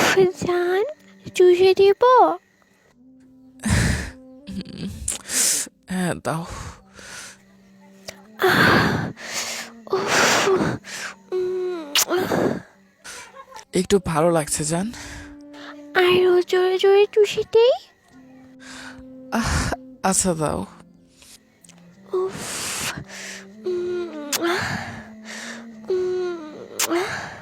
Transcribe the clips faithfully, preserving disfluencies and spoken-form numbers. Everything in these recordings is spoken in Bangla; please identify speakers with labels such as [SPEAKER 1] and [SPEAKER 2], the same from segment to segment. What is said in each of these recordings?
[SPEAKER 1] জান, চুষে দিব?
[SPEAKER 2] হ্যাঁ দাও।
[SPEAKER 1] উফ, উম,
[SPEAKER 2] একটু ভালো লাগছে জান।
[SPEAKER 1] আরো জোরে জোরে চুষে দেই?
[SPEAKER 2] আচ্ছা দাও।
[SPEAKER 1] উফ, উম, উম,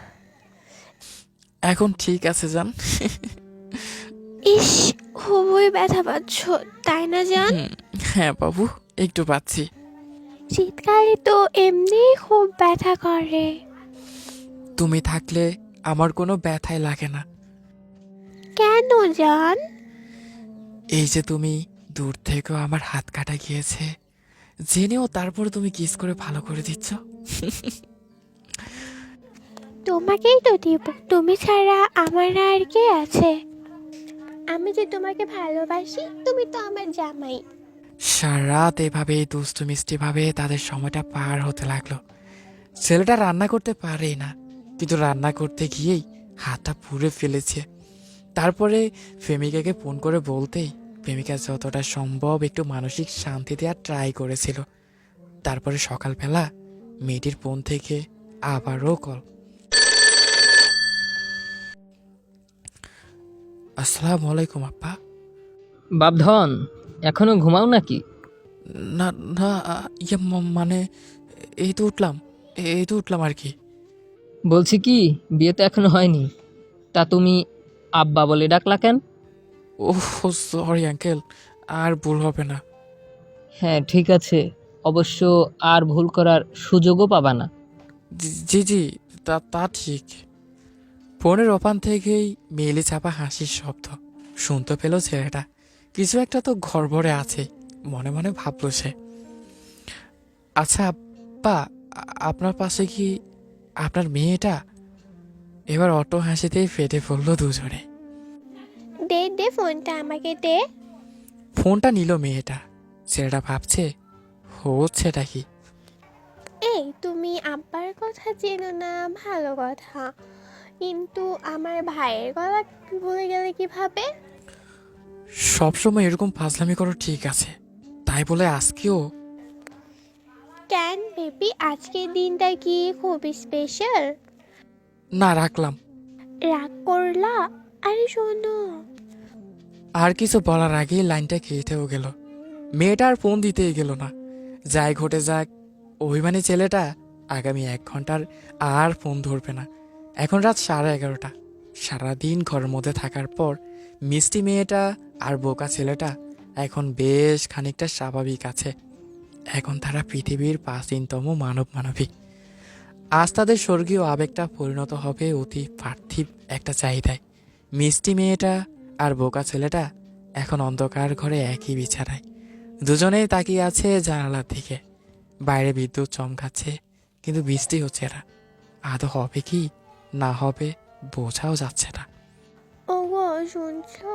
[SPEAKER 2] এখন ঠিক আছে জান।
[SPEAKER 1] ইস, খুবই ব্যথা পাচ্ছ তাই না জান?
[SPEAKER 2] হুম, হ্যাঁ বাবু, একটু পাচ্ছি।
[SPEAKER 1] শীতকালে তো এমনি খুব ব্যথা করে।
[SPEAKER 2] তুমি থাকলে আমার কোনো ব্যথাই লাগে না।
[SPEAKER 1] কেন জান?
[SPEAKER 2] এই যে তুমি দূর থেকেও আমার হাত কাটা গিয়েছে, জেনেও তারপর তুমি কিস করে ভালো করে দিচ্ছ।
[SPEAKER 1] তোমাকেই তো দিব, তুমি ছাড়া আমার আর কে আছে? আমি যে তোমাকে ভালোবাসি, তুমি তো আমার জামাই।
[SPEAKER 2] সারা রাত এভাবে দুষ্টু মিষ্টি ভাবে তাদের সময়টা পার হতে লাগলো। ছেলেটা রান্না করতে পারেই না, কিন্তু রান্না করতে গিয়েই হাতটা পুড়ে ফেলেছে। তারপরে প্রেমিকাকে ফোন করে বলতেই প্রেমিকা যতটা সম্ভব একটু মানসিক শান্তি দেওয়ার ট্রাই করেছিল। তারপরে সকালবেলা মেয়েটির ফোন থেকে আবারও কল। আসসালামু আলাইকুম আপ্পা।
[SPEAKER 3] বাপধন, এখনো ঘুমাও নাকি?
[SPEAKER 2] না না, ইয়ে ম- মানে এই তো উঠলাম, এই তো উঠলাম আর কি।
[SPEAKER 3] বলছি কি, বিয়ে তো এখনো হয়নি, তা তুমি আব্বা বলে ডাকলা কেন?
[SPEAKER 2] ও সরি আঙ্কেল, আর ভুল হবে না।
[SPEAKER 3] হ্যাঁ ঠিক আছে, অবশ্য আর ভুল করার সুযোগও পাবা না।
[SPEAKER 2] জি জি জি, তা তা ঠিক। ফোনের ওপান থেকেই মেলে চাপা হাসির শব্দ শুনতে পেল ছেলেটা। কিছু একটা তো ঘরভরে আছে, মনে মনে ভাবল সে। আচ্ছা আব্বা, আ- আপনার পাশে কি আপনার মেয়েটা? এবার অটো হাসিতেই ফেটে পড়ল দুজনে।
[SPEAKER 1] দে দে ফোনটা আমাকে দে।
[SPEAKER 2] ফোনটা নিল মেয়েটা। ছেলেটা ভাবছে হচ্ছেটা কি।
[SPEAKER 1] এই, তুমি আব্বার কথা চেনো না, ভালো কথা, কিন্তু আমার ভাইয়ের কথা ভুলে গেলে কিভাবে?
[SPEAKER 2] সবসময় এরকম ফাজলামি করো ঠিক আছে, তাই বলে আজকেও?
[SPEAKER 1] কেন বেবি, আজকের দিনটা কি খুব স্পেশাল?
[SPEAKER 2] না, রাখলাম।
[SPEAKER 1] রাগ করলা? আরে শোনো।
[SPEAKER 2] আর কিছু বলার আগেই লাইনটা কেটেও গেল। মেয়েটা আর ফোন দিতেই গেল না। যাই ঘটে যাক, অভিমানী ছেলেটা আগামী এক ঘন্টার আর ফোন ধরবে না। এখন রাত সাড়ে এগারোটা। সারাদিন ঘরের মধ্যে থাকার পর মিষ্টি মেয়েটা আর বোকা ছেলেটা এখন বেশ খানিকটা স্বাভাবিক আছে। এখন তারা পৃথিবীর প্রাচীনতম মানব মানবিক। আজ তাদের স্বর্গীয় আবেগটা পরিণত হবে অতি পার্থিব একটা চাহিদায়। মিষ্টি মেয়েটা আর বোকা ছেলেটা এখন অন্ধকার ঘরে একই বিছানায়। দুজনেই তাকিয়ে আছে জানালার দিকে। বাইরে বিদ্যুৎ চমকাচ্ছে, কিন্তু বৃষ্টি হচ্ছে না। আদৌ হবে কি না হবে বোঝাও যাচ্ছে না।
[SPEAKER 1] ওগো, শুনছো?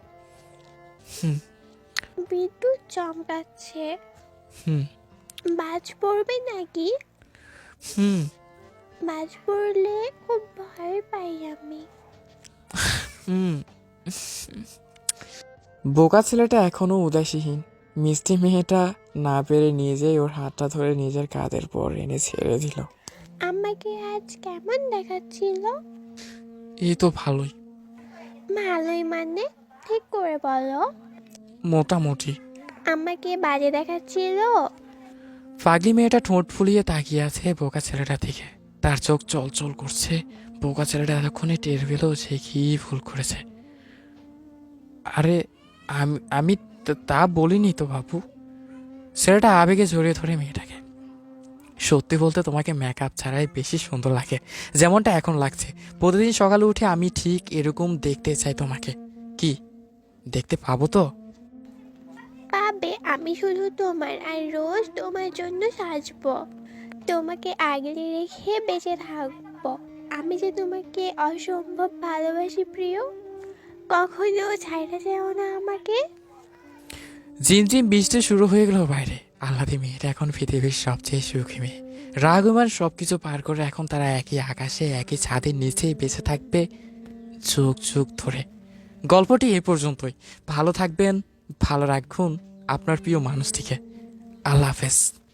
[SPEAKER 2] হুম
[SPEAKER 1] বিদ্যুৎ চমকাচ্ছে।
[SPEAKER 2] হুম
[SPEAKER 1] বাজ পড়বে নাকি?
[SPEAKER 2] হুম
[SPEAKER 1] বাজ পড়লে খুব ভয় পাই আমি।
[SPEAKER 2] হুম বোকা ছেলেটা এখনো উদাসীহীন। মিষ্টি মেয়েটা না পেরে নিজেই ওর হাতটা ধরে নিজের কাঁধের পর এনে ছেড়ে দিল।
[SPEAKER 1] আমাকে আজ কেমন দেখাচ্ছিল?
[SPEAKER 2] এই তো ভালোই।
[SPEAKER 1] ভালোই মানে? ঠিক করে বলো।
[SPEAKER 2] মোটামুটি।
[SPEAKER 1] আমাকে বাজে দেখাচ্ছিল?
[SPEAKER 2] পাগলি মেয়েটা ঠোঁট ফুলিয়ে তাকিয়ে আছে বোকা ছেলেটা থেকে। তার চোখ চলচল করছে। বোকা ছেলেটা এতক্ষণে টের পেল সে কি ভুল করেছে। আরে আমি আমি তা- তা বলিনি তো বাবু। ছেলেটা আবেগে জড়িয়ে ধরে মেয়েটাকে। সত্যি বলতে তোমাকে মেকআপ ছাড়াই বেশি সুন্দর লাগে, যেমনটা এখন লাগছে। প্রতিদিন সকালে উঠে আমি ঠিক এরকম দেখতে চাই তোমাকে। কি দেখতে পাবো তো?
[SPEAKER 1] পাবে, আমি শুধু তোমার, আর রোজ তোমার জন্য সাজবো, তোমাকে আগলে রেখে বেঁচে থাকবো। আমি যে তোমাকে অসম্ভব ভালোবাসি প্রিয়, কখনো ছাইড়া যেও না আমাকে।
[SPEAKER 2] ঝিমঝিম বৃষ্টি শুরু হয়ে গেল বাইরে। আহ্লাদি মেয়েটা এখন পৃথিবীর সবচেয়ে সুখী মেয়ে। রাগমান সবকিছু পার করে এখন তারা একই আকাশে একই ছাদের নিচেই বেঁচে থাকবে। যুগ যুগ ধরে। গল্পটি এ পর্যন্তই। ভালো থাকবেন, ভালো রাখুন আপনার প্রিয় মানুষটিকে। আল্লাহ হাফেজ।